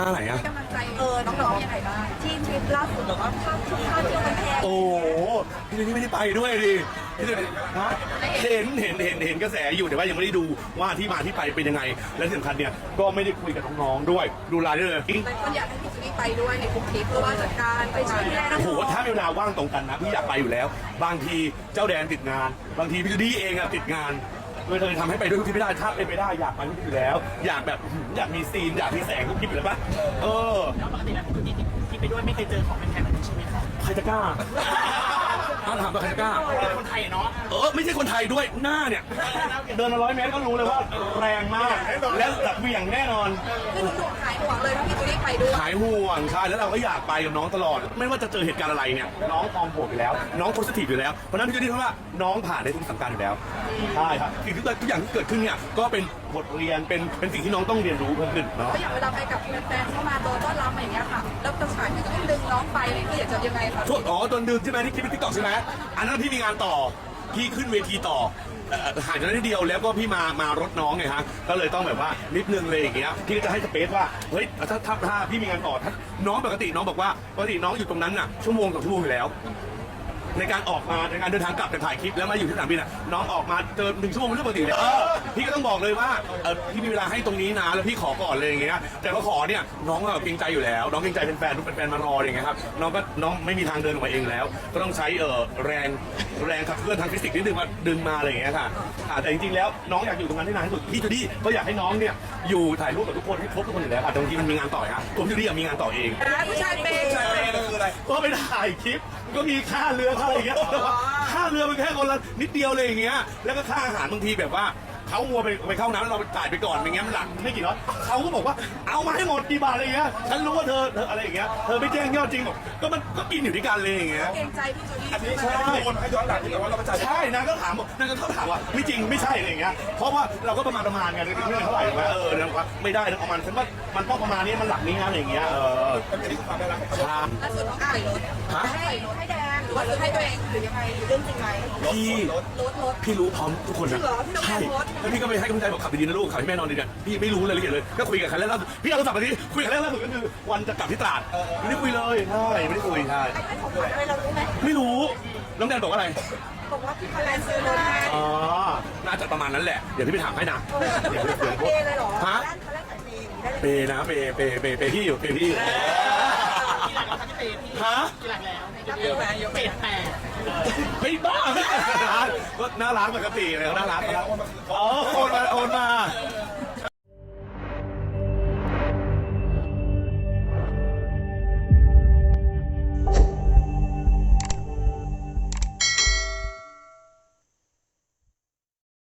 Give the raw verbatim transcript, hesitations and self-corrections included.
อะไรอะกำลังใจเออน้องๆยังไงบ้างที่ทริปล่าสุดหรือว่าภาพที่ภาพที่มันแพงโอ้พี่นี่ไม่ได้ไปด้วยดิพี่นี่ฮะเห็นเห็นเห็นเห็นกระแสอยู่แต่ว่ายังไม่ได้ดูว่าที่มาที่ไปเป็นยังไงและที่สำคัญเนี่ยก็ไม่ได้คุยกับน้องๆด้วยดูไลน์ด้วยเลยแต่คนอยากให้พี่จูดี้ไปด้วยในทุกทริปเพราะว่าจัดการไปช่วยดูแลน้องโอ้โหถ้ามีเวลาว่างตรงกันนะพี่อยากไปอยู่แล้ว บางทีเจ้าแดนติดงาน บางทีพี่จูดี้เองอะติดงานเลยเลยทำให้ไปด้วยทุกที่ไม่ได้ถ้าเป็นไปได้อยากไปทุกที่อยู่แล้ว อยากแบบอยากมีซีนอยากมีแสงทุกที่อยู่แล้วปะเออแล้วปกติแล้วพี่จูดี้ที่ไปด้วยไม่เคยเจอของเป็นแพงแบบนี้ใช่ไหมครับใครจะกล้าถ้าถามว่าใครจะกล้าคนไทยเนาะเออไม่ใช่คนไทยด้วยหน้าเนี่ยเดินมาร้อยเมตรก็รู้เลยว่าแรงมากและแบบเหวี่ยงแน่นอนคือหนูหายห่วงเลยถ้าพี่จูดี้ไปด้วยหายห่วงใช่แล้วเราก็อยากไปกับน้องตลอด ไม่ว่าจะเจอเหตุการณ์อะไรเนี่ยน้องพร้อมบวกอยู่แล้ว น้องโพสิทีฟอยู่แล้วเพราะนั้นพี่จะได้เพราะว่าน้องผ่านได้ทุกสถานการณ์อยู่แล้วใช่ครับสิ่งที่ทุกอย่างที่เกิดขึ้นเนี่ยก็เป็นบทเรียนเป็นเป็นสิ่งที่น้องต้องเรียนรู้เพิ่มขึ้นเนาะก็อย่างเวลาไปกับแฟนๆเข้ามาโดนต้อนรับอย่างเงี้ยค่ะแล้วกระสายพี่จูดี้ดึงน้องไปนี่คืออยากจะยังไงคะช่วงอ๋อตอนดึงใช่ไหมที่คลิปติ๊กต็อกใช่ไหมอันนั้นพี่มีงานต่อพี่ขึ้นเวทีต่อห่างจากนั้นนิดเดียวแล้วก็พี่มามารถน้องไงฮะก็เลยต้องแบบว่านิดนึงเลยอย่างเงี้ยพี่ก็จะให้สเปซว่าเฮ้ยถ้าถ้าถ้าพี่มีงานต่อถ้าน้องปกติน้องบอกว่าปกติน้องอยู่ตรงนั้นน่ะชั่วโมงกับชั่วโมงอยู่แล้วในการออกมาในการเดินทางกลับจากถ่ายคลิปแล้วมาอยู่ที่สนามบินอ่ะน้องออกมาเจอหนึ่งชั่วโมงเป็นเรื่องปกติเลยเออพี่ก็ต้องบอกเลยว่าเออพี่มีเวลาให้ตรงนี้นะแล้วพี่ขอก่อนเลยอย่างเงี้ยแต่ก็ขอเนี่ยน้องก็เกรงใจอยู่แล้วน้องเกรงใจเป็นแฟนทุกแฟนมารออย่างเงี้ยครับน้องก็น้องไม่มีทางเดินออกมาเองแล้วก็ต้องใช้เออแรงแรงขับเคลื่อนทางฟิสิกส์นิดนึงมาดึงมาอะไรอย่างเงี้ยค่ะแต่จริงๆแล้วน้องอยากอยู่ตรงนั้นที่นานที่สุดพี่จูดี้ก็อยากให้น้องเนี่ยอยู่ถ่ายรูปกับทุกคนให้ครบทุกคนอยู่แล้วค่ะบางทีมันมีงานต่อครับผมจูดี้มีงานต่อเองผู้ชายเป็นผู้ชายเป็นคืออะไรก็ไปถ่ายคลิปก็มีค่าเรือค่าอะไรอย่างเงี้ยค่าเรือมันแค่คนละนิดเดียวเลยอย่างเงี้ยแล้วก็ค่าอาหารบางทีแบบว่าเขามัวไปไปเข้าน้ำแล้วเราจ่ายไปก่อนอย่างเงี้ยมันหลักไม่กี่ร้อยเขาก็บอกว่าเอามาให้หมดกี่บาทอะไรอย่างเงี้ยฉันรู้ว่าเธอเธออะไรอย่างเงี้ยเธอไม่แจ้งยอดจริงบอกก็มันก็กินอยู่ด้วยกันเลยอย่างเงี้ยเกรงใจพี่จูดี้อันนี้ใช่คนให้ย้อนหลังที่แต่ว่าเราไปจ่ายใช่นางก็ถามบอกนางก็เขาถามว่าไม่จริงไม่ใช่อะไรอย่างเงี้ยเพราะว่าเราก็ประมาณประมาณกันไม่เท่าไหร่ไหมเออแล้วว่าไม่ได้นะประมาณฉันว่ามันต้องประมาณนี้มันหลักนี้นะอะไรอย่างเงี้ยเอออันนี้คือความได้รับใช่ล่าสุดน้องไก่รถให้รถให้แดงหรือว่าให้ตัวเองหรือยังไงเรื่องจริงไหมพี่รถรถพี่รู้พร้อมทุกคนนะใช่แล้วพี่ก็ไปให้กำลังใจบอกขับดีๆนะลูกขับให้แม่นอนดีเนี่ยพี่ไม่รู้รายละเอียดเลยก็คุยกับใครแล้วพี่เอาโทรศัพท์มาที่คุยกับใครแล้วสุดก็คือวันจะกลับที่ตราดไม่ได้คุยเลยใช่ไม่ได้คุยใช่อะไรเรารู้ไหมไม่รู้น้องแดนบอกว่าอะไรบอกว่าพี่คะแนนซื้อรถให้อ๋อน่าจะประมาณนั้นแหละเดี๋ยวพี่ไปถามให้นะเดี๋ยวพี่เปย์เลยหรอฮะเปย์นะเปย์เปย์เปย์เปย์พี่อยู่เปย์พี่อยู่กี่หลักแล้วครับพี่เปย์พี่ฮะกี่หลักแล้วเยอะแปดเจ็ดแปดไม่บ้าก็น่ารักปกติเลยน่ารักอ๋อโอนมาโอนมา